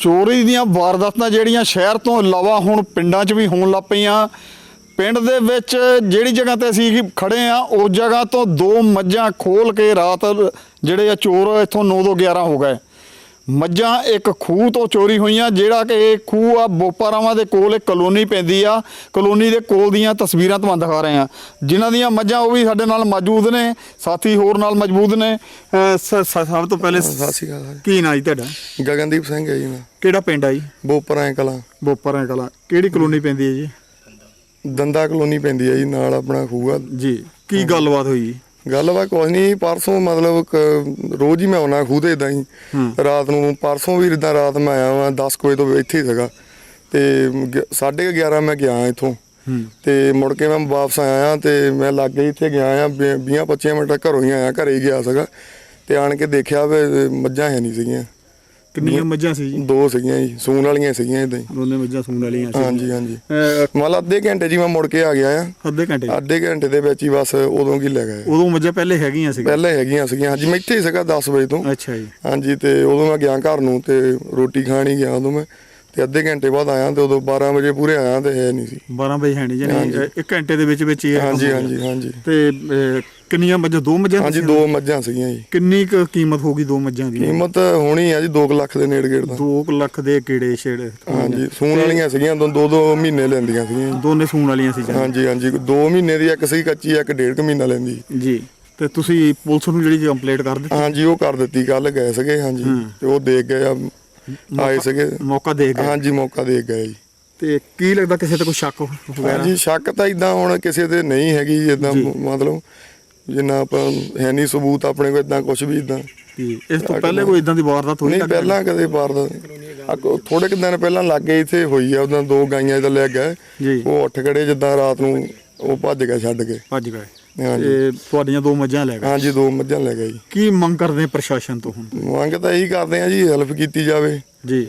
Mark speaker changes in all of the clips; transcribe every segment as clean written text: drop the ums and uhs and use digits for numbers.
Speaker 1: ਚੋਰੀ ਦੀਆਂ ਵਾਰਦਾਤਾਂ ਜਿਹੜੀਆਂ ਸ਼ਹਿਰ ਤੋਂ ਇਲਾਵਾ ਹੁਣ ਪਿੰਡਾਂ 'ਚ ਵੀ ਹੋਣ ਲੱਗ ਪਈਆਂ। ਪਿੰਡ ਦੇ ਵਿੱਚ ਜਿਹੜੀ ਜਗ੍ਹਾ ਤੇ ਅਸੀਂ ਖੜੇ ਆ ਉਸ ਜਗ੍ਹਾ ਤੋਂ 2 ਮੱਝਾਂ ਖੋਲ ਕੇ ਰਾਤ ਜਿਹੜੇ ਆ ਚੋਰ ਇੱਥੋਂ 9 ਤੋਂ 11 ਹੋ ਗਏ। ਮੱਝਾਂ ਇੱਕ ਖੂਹ ਤੋਂ ਚੋਰੀ ਹੋਈਆਂ, ਜਿਹੜਾ ਕਿ ਇਹ ਖੂਹ ਆ ਬੋਪਾਰਾਵਾਂ ਦੇ ਕੋਲ ਇੱਕ ਕਲੋਨੀ ਪੈਂਦੀ ਆ। ਕਲੋਨੀ ਦੇ ਕੋਲ ਦੀਆਂ ਤਸਵੀਰਾਂ ਤੁਹਾਨੂੰ ਦਿਖਾ ਰਹੇ ਆ, ਜਿਨ੍ਹਾਂ ਦੀਆਂ ਮੱਝਾਂ ਉਹ ਵੀ ਸਾਡੇ ਨਾਲ ਮੌਜੂਦ ਨੇ, ਸਾਥੀ ਹੋਰ ਨਾਲ ਮੌਜੂਦ ਨੇ। ਸਭ ਤੋਂ ਪਹਿਲੇ
Speaker 2: ਸਤਿ ਸ਼੍ਰੀ ਅਕਾਲ।
Speaker 1: ਕੀ ਨਾਂ ਜੀ ਤੁਹਾਡਾ?
Speaker 2: ਗਗਨਦੀਪ ਸਿੰਘ ਹੈ ਜੀ ਮੈਂ।
Speaker 1: ਕਿਹੜਾ ਪਿੰਡ ਆ ਜੀ?
Speaker 2: ਬੋਪਰਾਂ ਕਲਾਂ।
Speaker 1: ਬੋਪਰਾਂ ਕਲਾਂ। ਕਿਹੜੀ ਕਲੋਨੀ ਪੈਂਦੀ ਹੈ ਜੀ?
Speaker 2: ਦੰਦਾ ਕਲੋਨੀ ਪੈਂਦੀ ਹੈ ਜੀ, ਨਾਲ ਆਪਣਾ ਖੂਹ ਆ
Speaker 1: ਜੀ। ਕੀ ਗੱਲਬਾਤ ਹੋਈ ਜੀ?
Speaker 2: ਗੱਲਬਾਤ ਕੁਛ ਨਹੀਂ, ਪਰਸੋਂ ਮਤਲਬ ਰੋਜ਼ ਹੀ ਮੈਂ ਆਉਣਾ ਖੂਹ ਤੇ ਇੱਦਾਂ ਹੀ ਰਾਤ ਨੂੰ। ਪਰਸੋਂ ਵੀ ਇੱਦਾਂ ਰਾਤ ਮੈਂ ਆਇਆ ਵਾਂ 10 ਵਜੇ ਤੋਂ ਇੱਥੇ ਹੀ ਸੀਗਾ, ਤੇ 11:30 ਮੈਂ ਗਿਆ ਇੱਥੋਂ, ਤੇ ਮੁੜ ਕੇ ਮੈਂ ਵਾਪਸ ਆਇਆ ਤੇ ਮੈਂ ਲਾਗੇ ਇੱਥੇ ਗਿਆ ਆ 20-25 ਮਿੰਟ ਘਰੋਂ ਹੀ ਆਇਆ, ਘਰੇ ਹੀ ਗਿਆ ਸੀਗਾ, ਤੇ ਆਣ ਕੇ ਦੇਖਿਆ ਵੀ ਮੱਝਾਂ ਹੈ ਨਹੀਂ ਸੀਗੀਆਂ।
Speaker 1: ਕਿੰਨੀਆਂ ਮੱਝਾਂ ਸੀ ਜੀ?
Speaker 2: 2 ਸੀਗੀਆਂ ਜੀ, ਸੂਣ ਵਾਲੀਆਂ ਸੀਗੀਆਂ ਇੱਦਾਂ ਹੀ।
Speaker 1: ਦੋਨੇ ਮੱਝਾਂ ਸੂਣ ਵਾਲੀਆਂ ਸੀ?
Speaker 2: ਹਾਂਜੀ ਹਾਂਜੀ। ਮਤਲਬ ਅੱਧੇ ਘੰਟੇ ਜੀ ਮੈਂ ਮੁੜ ਕੇ ਆ ਗਿਆ ਆ।
Speaker 1: ਅੱਧੇ ਘੰਟੇ
Speaker 2: ਦੇ ਵਿੱਚ ਹੀ ਬਸ ਉਦੋਂ ਕੀ ਲੈ ਗਏ।
Speaker 1: ਉਦੋਂ ਮੱਝਾਂ ਪਹਿਲੇ ਹੈਗੀਆਂ ਸੀ?
Speaker 2: ਪਹਿਲੇ ਹੈਗੀਆਂ ਸੀਗੀਆਂ ਹਾਂਜੀ, ਮੈਂ ਇੱਥੇ ਹੀ ਸੀਗਾ 10 ਵਜੇ ਤੋਂ।
Speaker 1: ਅੱਛਾ ਜੀ।
Speaker 2: ਹਾਂਜੀ, ਤੇ ਉਦੋਂ ਮੈਂ ਗਿਆ ਘਰ ਨੂੰ ਤੇ ਰੋਟੀ ਖਾਣ ਹੀ ਗਿਆ ਉਦੋਂ ਮੈਂ, ਤੇ ਅੱਧੇ ਘੰਟੇ ਬਾਅਦ ਆਇਆ ਤੇ ਉਦੋਂ 12 ਵਜੇ ਪੂਰੇ ਆਇਆ ਤੇ ਹੈ ਨਹੀਂ ਸੀ।
Speaker 1: 12 ਵਜੇ ਹੈ ਨਹੀਂ ਜਾਨੀ 1 ਘੰਟੇ ਦੇ ਵਿੱਚ ਹੀ?
Speaker 2: ਹਾਂਜੀ ਹਾਂਜੀ ਹਾਂਜੀ।
Speaker 1: ਤੇ ਕਿੰਨੀਆਂ ਮੱਝਾਂ? 2 ਮੱਝਾਂ? ਹਾਂਜੀ
Speaker 2: 2 ਮੱਝਾਂ ਸੀਗੀਆਂ ਜੀ।
Speaker 1: ਕਿੰਨੀ ਕੁ ਕੀਮਤ ਹੋਗੀ 2 ਮੱਝਾਂ ਦੀ?
Speaker 2: ਕੀਮਤ ਹੋਣੀ ਆ ਜੀ 2 ਲੱਖ ਦੇ ਨੇੜੇ ਗੇੜ ਦਾ।
Speaker 1: 2 ਲੱਖ ਦੇ ਕਿਹੜੇ ਛੇੜ?
Speaker 2: ਹਾਂਜੀ, ਸੂਣ ਵਾਲੀਆਂ ਸੀਗੀਆਂ, 2 ਮਹੀਨੇ ਲੈਂਦੀਆਂ ਸੀਗੀਆਂ।
Speaker 1: ਦੋਨੇ ਸੂਣ ਵਾਲੀਆਂ ਸੀ?
Speaker 2: ਹਾਂਜੀ ਹਾਂਜੀ। 2 ਮਹੀਨੇ ਦੀ ਇੱਕ ਸੀ ਕੱਚੀ, ਇੱਕ 1.5 ਮਹੀਨਾ ਲੈਂਦੀ
Speaker 1: ਜੀ। ਤੇ ਤੁਸੀਂ ਪੁਲਿਸ ਨੂੰ ਜਿਹੜੀ ਕੰਪਲੇਂਟ ਕਰ ਦਿੱਤੀ? ਹਾਂਜੀ,
Speaker 2: ਉਹ ਕਰ ਦਿੱਤੀ, ਕੱਲ ਗਏ ਸੀਗੇ। ਹਾਂਜੀ, ਤੇ ਉਹ ਦੇਖ ਗਏ ਆ, ਆਏ ਸੀਗੇ,
Speaker 1: ਮੌਕਾ ਦੇਖ ਗਏ?
Speaker 2: ਹਾਂਜੀ, ਮੌਕਾ ਦੇਖ ਗਏ ਜੀ।
Speaker 1: ਤੇ ਕੀ ਲੱਗਦਾ ਕਿਸੇ ਤੇ ਕੋਈ ਸ਼ੱਕ ਵਗੈਰਾ?
Speaker 2: ਹਾਂਜੀ, ਸ਼ੱਕ ਤਾਂ ਇਦਾਂ ਹੁਣ ਕਿਸੇ ਤੇ ਨਹੀਂ ਹੈਗੀ ਇਦਾਂ, ਮਤਲਬ ਜਿੰਨਾ ਆਪਾਂ ਹੈ ਨਹੀਂ ਸਬੂਤ ਆਪਣੇ ਕੋਲ ਇਦਾਂ ਕੁਝ ਵੀ ਇਦਾਂ।
Speaker 1: ਇਸ ਤੋਂ ਪਹਿਲੇ ਕੋਈ ਇਦਾਂ ਦੀ ਵਾਰਦਾਤ ਹੋਈ?
Speaker 2: ਨਹੀਂ, ਪਹਿਲਾਂ ਕਦੇ ਵਾਰਦਾਤ ਥੋੜੇ ਕੁ ਦਿਨ ਪਹਿਲਾਂ ਲਾਗੇ ਇੱਥੇ ਹੋਈ ਆ, ਉਦਾਂ 2 ਗਾਈਆਂ ਇਦਾਂ ਲੈ ਗਏ, ਉਹ ਉੱਠ ਖੜੇ ਜਿੱਦਾਂ ਰਾਤ ਨੂੰ, ਉਹ ਭੱਜ ਗਏ, ਛੱਡ ਕੇ ਭੱਜ ਗਏ।
Speaker 1: ਹਾਂਜੀ, ਤੁਹਾਡੀਆਂ 2 ਮੱਝਾਂ ਲੈ ਗਏ?
Speaker 2: ਹਾਂਜੀ, 2 ਮੱਝਾਂ ਲੈ ਗਏ ਜੀ।
Speaker 1: ਕੀ ਮੰਗ ਕਰਦੇ ਪ੍ਰਸ਼ਾਸਨ ਤੋਂ ਹੁਣ?
Speaker 2: ਮੰਗ ਤਾਂ ਇਹੀ ਕਰਦੇ ਆ ਜੀ, ਹੈਲਪ ਕੀਤੀ ਜਾਵੇ ਜੀ,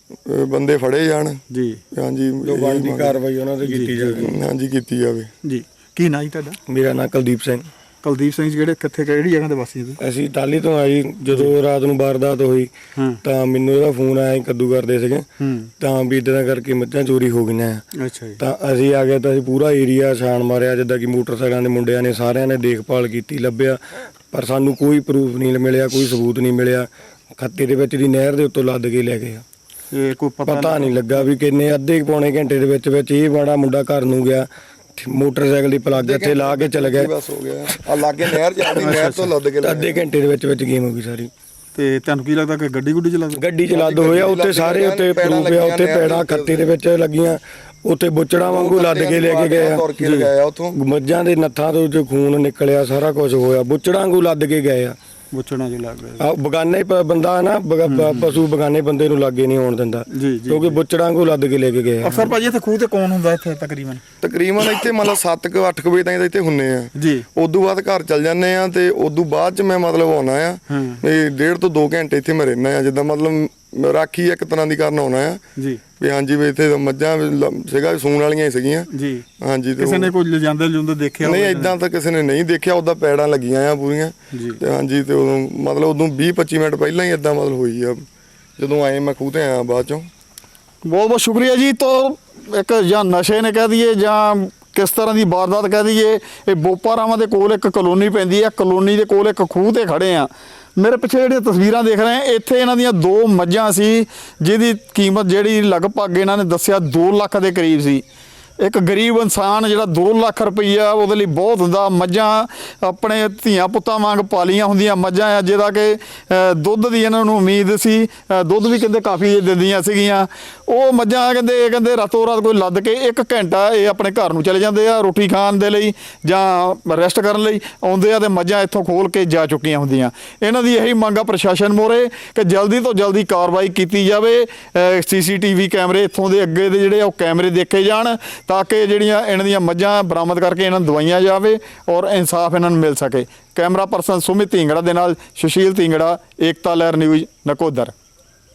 Speaker 2: ਬੰਦੇ ਫੜੇ ਜਾਣ ਜੀ। ਹਾਂਜੀ, ਜੋ ਬਣਦੀ ਕਾਰਵਾਈ ਉਹਨਾਂ ਤੇ ਕੀਤੀ ਜਾਵੇ। ਹਾਂਜੀ, ਕੀਤੀ ਜਾਵੇ ਜੀ।
Speaker 1: ਕੀ ਨਾਂ ਜੀ ਤੁਹਾਡਾ?
Speaker 3: ਮੇਰਾ ਨਾਂ ਕੁਲਦੀਪ ਸਿੰਘ।
Speaker 1: ਕੁਲਦੀਪ ਸਿੰਘ, ਜਿਹੜੇ ਕਿੱਥੇ ਕਿਹੜੀ ਜਗ੍ਹਾ ਦੇ ਵਾਸੀ ਹੋ?
Speaker 3: ਅਸੀਂ ਟਾਹਲੀ ਤੋਂ ਆਏ। ਜਦੋਂ ਰਾਤ ਨੂੰ ਵਾਰਦਾਤ ਹੋਈ ਤਾਂ ਮੈਨੂੰ ਇਹਦਾ ਫੋਨ ਆਇਆ, ਕੱਦੂ ਕਰਦੇ ਸੀਗੇ, ਤਾਂ ਵੀ ਇਦਾਂ ਕਰਕੇ ਮੱਝਾਂ ਚੋਰੀ ਹੋ ਗਈਆਂ।
Speaker 1: ਅੱਛਾ ਜੀ। ਤਾਂ
Speaker 3: ਅਸੀਂ ਆ ਗਏ ਤਾਂ ਅਸੀਂ ਪੂਰਾ ਏਰੀਆ ਛਾਣ ਮਾਰਿਆ, ਜਿੱਦਾਂ ਕਿ ਮੋਟਰਸਾਈਕਲਾਂ ਦੇ ਮੁੰਡਿਆਂ ਨੇ ਸਾਰਿਆਂ ਨੇ ਦੇਖਭਾਲ ਕੀਤੀ, ਲੱਭਿਆ, ਪਰ ਸਾਨੂੰ ਕੋਈ ਪ੍ਰੂਫ ਨਹੀਂ ਮਿਲਿਆ, ਕੋਈ ਸਬੂਤ ਨਹੀਂ ਮਿਲਿਆ। ਖੱਤੇ ਦੇ ਵਿੱਚ ਦੀ ਨਹਿਰ ਦੇ ਉੱਤੋਂ ਲੱਦ ਕੇ ਲੈ ਗਏ ਆ।
Speaker 1: ਇਹ ਕੋਈ
Speaker 3: ਪਤਾ ਨਹੀਂ ਲੱਗਾ ਵੀ ਕਿੰਨੇ ਅੱਧੇ ਪੌਣੇ ਘੰਟੇ ਦੇ ਵਿੱਚ ਇਹ ਬੜਾ ਮੁੰਡਾ ਘਰ ਨੂੰ ਗਿਆ, ਮੋਟਰਸਾਈਕਲ ਦੀ ਪਲੱਗ ਇੱਥੇ ਲਾ ਕੇ ਚਲ ਗਿਆ।
Speaker 2: ਬਸ ਹੋ ਗਿਆ, ਆ ਲਾਗੇ ਨਹਿਰ ਜਾਂਦੀ, ਨਹਿਰ ਤੋਂ ਲੱਦ ਕੇ
Speaker 3: ਅੱਧੇ ਘੰਟੇ ਦੇ ਵਿੱਚ ਗੇਮ ਹੋ ਗਈ ਸਾਰੀ।
Speaker 1: ਤੇ ਤੁਹਾਨੂੰ ਕੀ ਲੱਗਦਾ ਕਿ ਗੱਡੀ
Speaker 3: ਚ ਲੱਦ ਹੋਇਆ? ਉੱਤੇ ਸਾਰੇ ਉੱਤੇ ਪ੍ਰੂਫ ਆ, ਉੱਤੇ ਪੈੜਾਂ ਖੱਤੇ ਦੇ ਵਿੱਚ ਲੱਗੀਆਂ, ਉੱਤੇ ਬੁੱਚੜਾਂ ਵਾਂਗੂ ਲੱਦ ਕੇ ਲੈ ਕੇ ਗਏ ਆ। ਮੱਝਾਂ ਦੇ ਨੱਥਾਂ ਤੋਂ ਜੋ ਖੂਨ ਨਿਕਲਿਆ, ਸਾਰਾ ਕੁਝ ਹੋਇਆ, ਬੁੱਚੜਾਂ ਵਾਂਗੂ ਲੱਦ ਕੇ ਗਏ ਆ।
Speaker 1: ਬੁੱਚੜਾਂ ਚ ਲੱਗ ਗਏ।
Speaker 3: ਬਗਾਨੇ ਬੰਦਾ ਨਾ, ਪਸ਼ੂ ਬਗਾਨੇ ਬੰਦੇ ਨੂੰ ਲਾਗੇ ਨਹੀਂ ਆਉਣ ਦਿੰਦਾ, ਕਿਉਂਕਿ ਬੁੱਚੜਾਂ ਵਾਂਗੂ ਲੱਦ ਕੇ ਲੈ ਕੇ ਗਏ ਆ।
Speaker 1: ਅਕਸਰ ਭਾਜੀ ਇੱਥੇ ਖੂਹ ਤੇ ਕੌਣ ਹੁੰਦਾ ਇੱਥੇ? ਤਕਰੀਬਨ
Speaker 2: ਇੱਥੇ ਮਤਲਬ 7-8 ਵਜੇ ਤਾਈਂ ਇੱਥੇ ਹੁੰਨੇ ਆ ਜੀ। ਉਦੋਂ ਬਾਅਦ ਘਰ ਚੱਲ ਜਾਂਦੇ ਆ, ਤੇ ਉਦੋਂ ਬਾਅਦ ਚ ਮੈਂ ਮਤਲਬ ਆਉਣਾ ਆ, 1.5 ਤੋਂ 2 ਘੰਟੇ ਇੱਥੇ ਮੈਂ ਰਹਿਣਾ ਆ, ਜਿੱਦਾਂ ਮਤਲਬ ਰਾਖੀ ਇੱਕ ਤਰ੍ਹਾਂ ਦੀ ਕਰਨ ਆਉਣਾ ਆ ਜੀ। ਵੀ ਹਾਂਜੀ, ਵੀ ਇੱਥੇ ਮੱਝਾਂ ਸੀਗਾ, ਸੂਣ ਵਾਲੀਆਂ ਹੀ ਸੀਗੀਆਂ ਜੀ। ਹਾਂਜੀ,
Speaker 1: ਕਿਸੇ ਨੇ ਕੋਈ ਲਿਜਾਂਦੇ ਲੁੰਦੇ ਦੇਖਿਆ?
Speaker 2: ਨਹੀਂ, ਇਦਾਂ ਤਾਂ ਕਿਸੇ ਨੇ ਨਹੀਂ ਦੇਖਿਆ, ਉਹਦਾ ਪੈੜਾਂ ਲੱਗੀਆਂ ਆ ਪੂਰੀਆਂ ਤੇ। ਹਾਂਜੀ, ਤੇ ਉਦੋਂ ਮਤਲਬ ਉਦੋਂ 20-25 ਮਿੰਟ ਪਹਿਲਾਂ ਹੀ ਇਦਾਂ ਮਤਲਬ ਹੋਈ ਆ, ਜਦੋਂ ਆਏ ਮੈਂ ਖੂਹ ਤੇ ਆਇਆ ਬਾਅਦ ਚੋਂ। ਬਹੁਤ ਬਹੁਤ ਸ਼ੁਕਰੀਆ ਜੀ। ਤੋਂ ਇੱਕ ਜਾਂ ਨਸ਼ੇ ਨੇ ਕਹਿ ਦਈਏ ਜਾਂ ਕਿਸ ਤਰ੍ਹਾਂ ਦੀ ਵਾਰਦਾਤ ਕਹਿ ਦਈਏ, ਇਹ ਬੋਪਾਰਾਵਾਂ ਦੇ ਕੋਲ ਇੱਕ ਕਲੋਨੀ ਪੈਂਦੀ ਹੈ, ਕਲੋਨੀ ਦੇ ਕੋਲ ਇੱਕ ਖੂਹ ਤੇ ਖੜੇ ਆ। ਮੇਰੇ ਪਿੱਛੇ ਜਿਹੜੀਆਂ ਤਸਵੀਰਾਂ ਦੇਖ ਰਹੇ ਆ, ਇੱਥੇ ਇਹਨਾਂ ਦੀਆਂ 2 ਮੱਝਾਂ ਸੀ, ਜਿਹਦੀ ਕੀਮਤ ਜਿਹੜੀ ਲਗਭਗ ਇਹਨਾਂ ਨੇ ਦੱਸਿਆ 2 ਲੱਖ ਦੇ ਕਰੀਬ ਸੀ। ਇੱਕ ਗਰੀਬ ਇਨਸਾਨ ਜਿਹੜਾ 2 ਲੱਖ ਰੁਪਈਆ ਉਹਦੇ ਲਈ ਬਹੁਤ ਹੁੰਦਾ। ਮੱਝਾਂ ਆਪਣੇ ਧੀਆਂ ਪੁੱਤਾਂ ਵਾਂਗ ਪਾਲੀਆਂ ਹੁੰਦੀਆਂ ਮੱਝਾਂ ਆ, ਜਿਹਦਾ ਕਿ ਦੁੱਧ ਦੀ ਇਹਨਾਂ ਨੂੰ ਉਮੀਦ ਸੀ, ਦੁੱਧ ਵੀ ਕਹਿੰਦੇ ਕਾਫੀ ਦਿੰਦੀਆਂ ਸੀਗੀਆਂ। ਉਹ ਮੱਝਾਂ ਕਹਿੰਦੇ ਰਾਤੋਂ ਰਾਤ ਕੋਈ ਲੱਦ ਕੇ 1 ਘੰਟਾ ਇਹ ਆਪਣੇ ਘਰ ਨੂੰ ਚਲੇ ਜਾਂਦੇ ਆ ਰੋਟੀ ਖਾਣ ਦੇ ਲਈ ਜਾਂ ਰੈਸਟ ਕਰਨ ਲਈ ਆਉਂਦੇ ਆ, ਤੇ ਮੱਝਾਂ ਇੱਥੋਂ ਖੋਲ ਕੇ ਜਾ ਚੁੱਕੀਆਂ ਹੁੰਦੀਆਂ। ਇਹਨਾਂ ਦੀ ਇਹੀ ਮੰਗ ਆ ਪ੍ਰਸ਼ਾਸਨ ਮੋਰੇ ਕਿ ਜਲਦੀ ਤੋਂ ਜਲਦੀ ਕਾਰਵਾਈ ਕੀਤੀ ਜਾਵੇ। CCTV ਕੈਮਰੇ ਇੱਥੋਂ ਦੇ ਅੱਗੇ ਦੇ ਜਿਹੜੇ ਉਹ ਕੈਮਰੇ ਦੇਖੇ ਜਾਣ, ਤਾਂ ਕਿ ਜਿਹੜੀਆਂ ਇਹਨਾਂ ਦੀਆਂ ਮੱਝਾਂ ਬਰਾਮਦ ਕਰਕੇ ਇਹਨਾਂ ਨੂੰ ਦਵਾਈਆਂ ਜਾਵੇ ਔਰ ਇਨਸਾਫ ਇਹਨਾਂ ਨੂੰ ਮਿਲ ਸਕੇ। ਕੈਮਰਾ ਪਰਸਨ ਸੁਮਿਤ ਢੀਂਗੜਾ ਦੇ ਨਾਲ ਸੁਸ਼ੀਲ ਢੀਂਗੜਾ, ਏਕਤਾ ਲਹਿਰ ਨਿਊਜ਼, ਨਕੋਦਰ।